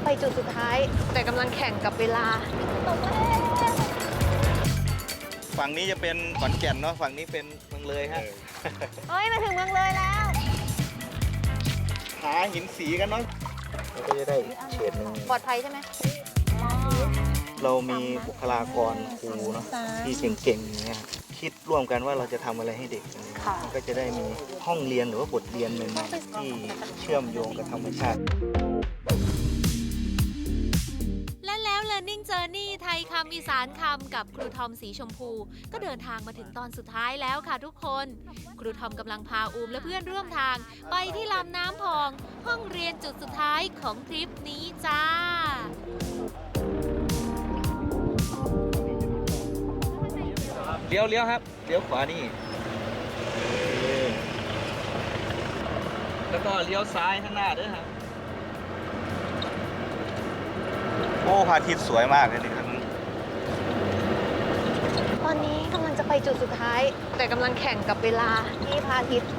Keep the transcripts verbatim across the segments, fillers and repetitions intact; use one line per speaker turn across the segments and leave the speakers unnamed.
จุดสุดท้ายแต่กำลังแข่งกับเวลาตกแล้ว
ฝั่งนี้จะเป็นขอนแก่นเนาะฝั่งนี้เป็นเมืองเลยฮะ
เฮ้ยมาถึงเมืองเลยแล้ว
หาหินสีกันเนาะเราก็จะได้อีกเฉดหนึ่ง
ปลอดภัยใช่ไหม
เรามีบุคลากรครูเนาะที่เก่งๆอย่างเงี้ยคิดร่วมกันว่าเราจะทำอะไรให้เด็กมันก็จะได้มีห้องเรียนหรือว่าบทเรียนใหม่ๆที่เชื่อมโยงกับธรรมชาติ
และแล้ว Learning Journey ไทยคำอีสานคำกับครูทอมสีชมพูก็เดินทางมาถึงตอนสุดท้ายแล้วค่ะทุกคน ครูทอมกำลังพาอูมและเพื่อนร่วมทางไปที่ลำน้ำพอง ห้องเรียนจุดสุดท้ายของทริปนี้จ้า
เลี้ยวเลี้ยวครับเลี้ยวขวานี่แล้วก็เลี้ยวซ้ายข้างหน้าด้วยครับโอ้พระอาทิตย์สวยมากเลยนี่ครับ
ตอนนี้กำลังจะไปจุดสุดท้ายแต่กำลังแข่งกับเวลาที่พระอาทิตย์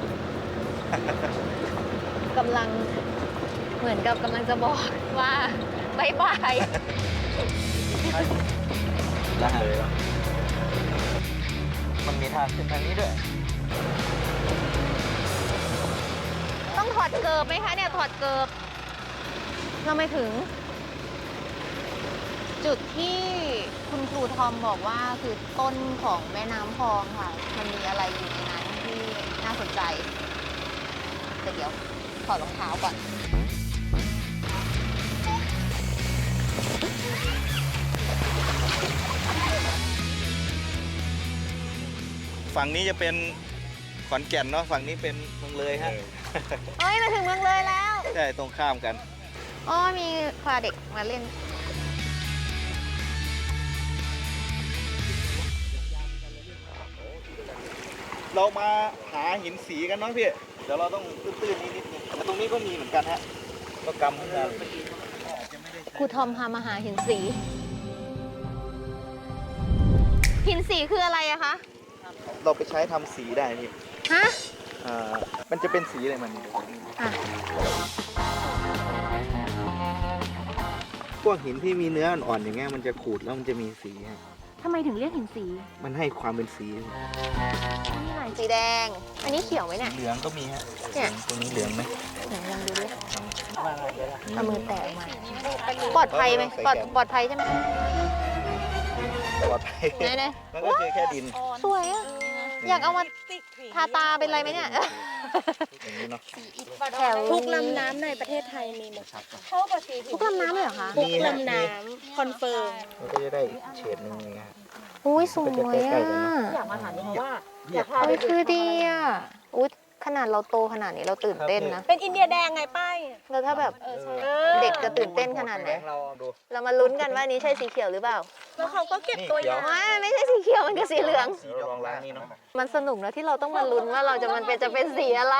กำลังเหมือนกับกำลังจะบอกว่าบายบาย
ได้เลยมันมีทางขึ้นทางนี้ด้วย
ต้องถอดเกิบไหมคะเนี่ยถอดเกิบเราไม่ถึง จุดที่คุณครูทอมบอกว่าคือต้นของแม่น้ำพองค่ะ มันมีอะไรอยู่ในนั้นที่น่าสนใจแต่เดี๋ยวถอดรองเท้าก่อน
ฝั่งนี้จะเป็นขอนแก่นเนาะฝั่งนี้เป็นเมืองเลยฮะ
เฮ้ยมาถึงเมืองเลยแล้ว
ใช่ตรงข้ามกัน
อ๋อมีพาเด็กมาเล่น
เรามาหาหินสีกันเนาะพี่เดี๋ยวเราต้องตื้นๆนิดนิดนึงแต่ตรงนี้ก็มีเหมือนกันฮะก็กำเหมือนกัน
ครูทอมพามาหาหินสี หินสีคืออะไรอะคะ
เราไปใช้ทำสีได้พี่
ฮะ
อ่ามันจะเป็นสีอะไรมัน
อ่ะ
พวกหินที่มีเนื้ออ่อนๆอย่างเงี้ยมันจะขูดแล้วมันจะมีสีฮะ
ทำไมถึงเรียกหินสี
มันให้ความเป็นสี
นี่อะไรสีแดง อันนี้เขียวไหมเนี่ย
เหลืองก็มีฮะ
เนี่ย
ตรงนี้เหลืองไหม
ไหนลองดูดิเอามือแตะมาปลอดภัยไหมปลอดปลอดภัยใช่ไหม
ปลอดภัย
ไหนไหน
มันก็คือแค่ดิน
สวยอะอยากเอามาทาตาเป็นไรไหมเนี่ย
อย่างนี้เนาะ
แถว
ทุกลำน้ำในประเทศไทยมีหมด
ทุกลำน้ำเลยเหรอคะ
ทุกลำน้ำคอนเฟิร์ม
มันก็จะได้อีกเฉดหนึงอย่างเงี้ยฮะ
อุ้ยสวย
ก็จะใกล้
อ่ะ
ๆกันเนอะ
อยากมาถามเพราะว่า
อยาก
อุ้ยคือดีอ่ะอุ้ยขนาดเราโตขนาดนี้เราตื่นเต้นนะ
เป็นอินเดียแดงไงป้าย
แล้วถ้าแบบ เด็กจะตื่นเต้นขนาดไหน
เราดู
เรามาลุ้นกันว่านี้ใช่สีเขียวหรือเปล่า
แล้วเขาก็เก็บตัวอย่าง
ไม่ไม่ใช่สีเขียวมันคือสีเหลือง
สีลองล้างนี่เนาะ
มันสนุกนะที่เราต้องมาลุ้นว่าเราจะมันเป็นจะเป็นสีอะไร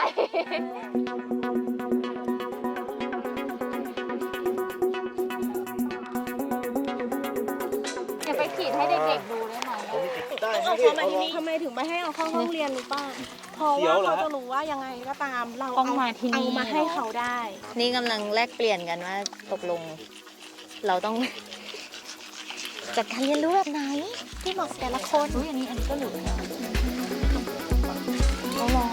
อย่าไปขีดให้เด็กๆดูได้ไหม
ได้
เอาเขามาที่นี่ทำไมถึงไม่ให้เอาเข้าห้องเรียนรู้ป้าเพราะว่าเขาจะรู้ว่ายังไงก็ตามเราเอามาที่นี่เอามาให้เขาได้
นี่กำลังแลกเปลี่ยนกันว่าตกลง เราต้อง จัดการเรียนรู้แบบไหน ที่เหมาะกับแต่ละคนอุ้ยอันนี้อันนี้ก็เหลือเอาลอง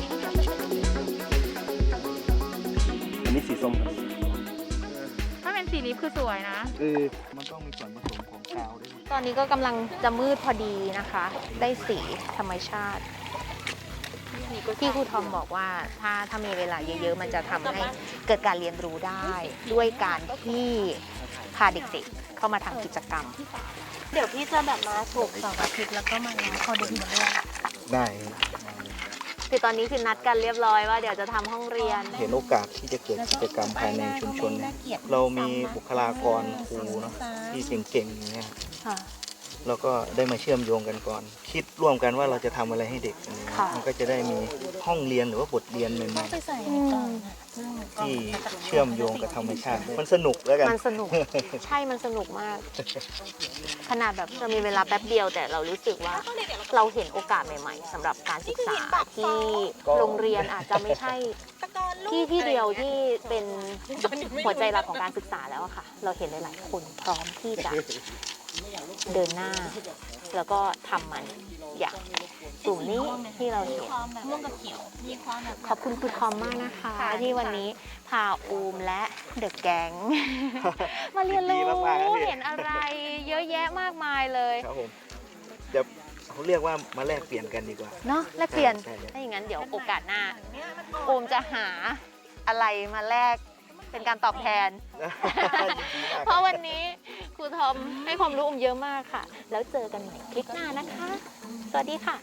อันนี้สีส้ม
ถ้าเป็นสีนี้คือสวยนะ
เออมันต้องมีส่วนผสมของกาวด้วย
ตอนนี้ก็กำลังจะมืดพอดีนะคะ ได้สีธรรมชาติที่ครูทอมบอกว่าถ้าถ้ามีเวลาเยอะๆ มันจะทำให้เกิดการเรียนรู้ได้ ด้วยการที่พาเด็กๆ เข้ามาทำกิจกรรม
เดี๋ยวพี่จะแบบมาถูกเสาร์อาทิตย์แล้วก็มาแล้วเขาเด็กมาด้วย
ได้
คือตอนนี้คือนัดกันเรียบร้อยว่าเดี๋ยวจะทำห้องเรียน
เห็นโอกาสที่จะเกิดกิจกรรมภายในชุมชนเนี่ยเรามีบุคลากรครูเนาะที่เก่งๆอย่างเงี้ย
ค่ะ
เราก็ได้มาเชื่อมโยงกันก่อน คิดร่วมกันว่าเราจะทำอะไรให้เด็กอันนี้
ค่ะ
มันก็จะได้มีห้องเรียนหรือว่าบทเรียนใหม่
ไปใส่ในกล่องอะ
ๆที่เชื่อมโยงกับธรรมชาติ มันสนุกแล้วกัน
มันสนุก ใช่มันสนุกมาก ขนาดแบบเรามีเวลาแป๊บเดียวแต่เรารู้สึกว่าเราเห็นโอกาสใหม่ๆสำหรับการศึกษาที่โรงเรียนอาจจะไม่ใช่
ตะกอนลูก
ที่ที่เดียวที่เป็นหัวใจหลักของการศึกษาแล้วอะค่ะ เราเห็นหลายๆคนพร้อมที่จะเดินหน้า แล้วก็ทำมันอย่างกลุ่มนี้ที่เราเห็น
ความแบบม่วงกับเขียว มีความแบบ
ขอบคุณครูทอมมากนะคะ
ค่ะ
ที่วันนี้พาอูมและเดอะแก๊ง มาเรียนรู้
ดีมากๆนะพี่
เห็นอะไรเยอะแยะมากมายเลย
ครับผมเดี๋ยวเขาเรียกว่ามาแลกเปลี่ยนกันดีกว่า
เนาะแลกเปลี่ยน
ใช่ใช่
ถ้าอย่างนั้นเดี๋ยวโอกาสหน้าโอมจะหาอะไรมาแลกเป็นการตอบแทน
ยินดีมาก
เพราะวันนี้ครูทอมให้ความรู้อมเยอะมากค่ะ แล้วเจอกันใหม่คลิปหน้านะคะ สวัสดีค่ะ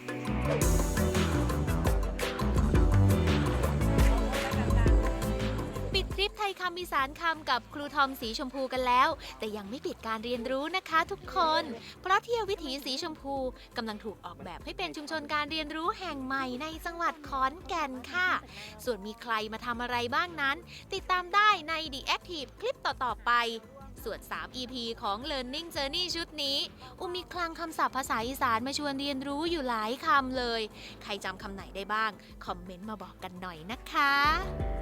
ปิดทริปไทยคำอีสานคำกับครูทอมสีชมพูกันแล้ว แต่ยังไม่ปิดการเรียนรู้นะคะทุกคน เพราะเที่ยววิถีสีชมพูกำลังถูกออกแบบให้เป็นชุมชนการเรียนรู้แห่งใหม่ในจังหวัดขอนแก่นค่ะ ส่วนมีใครมาทำอะไรบ้างนั้น ติดตามได้ใน The Active คลิปต่อๆไป ส่วน สาม อี พี ของ Learning Journey ชุดนี้ อุมมีคลังคำศัพท์ภาษาอีสานมาชวนเรียนรู้อยู่หลายคำเลย ใครจำคำไหนได้บ้าง คอมเมนต์มาบอกกันหน่อยนะคะ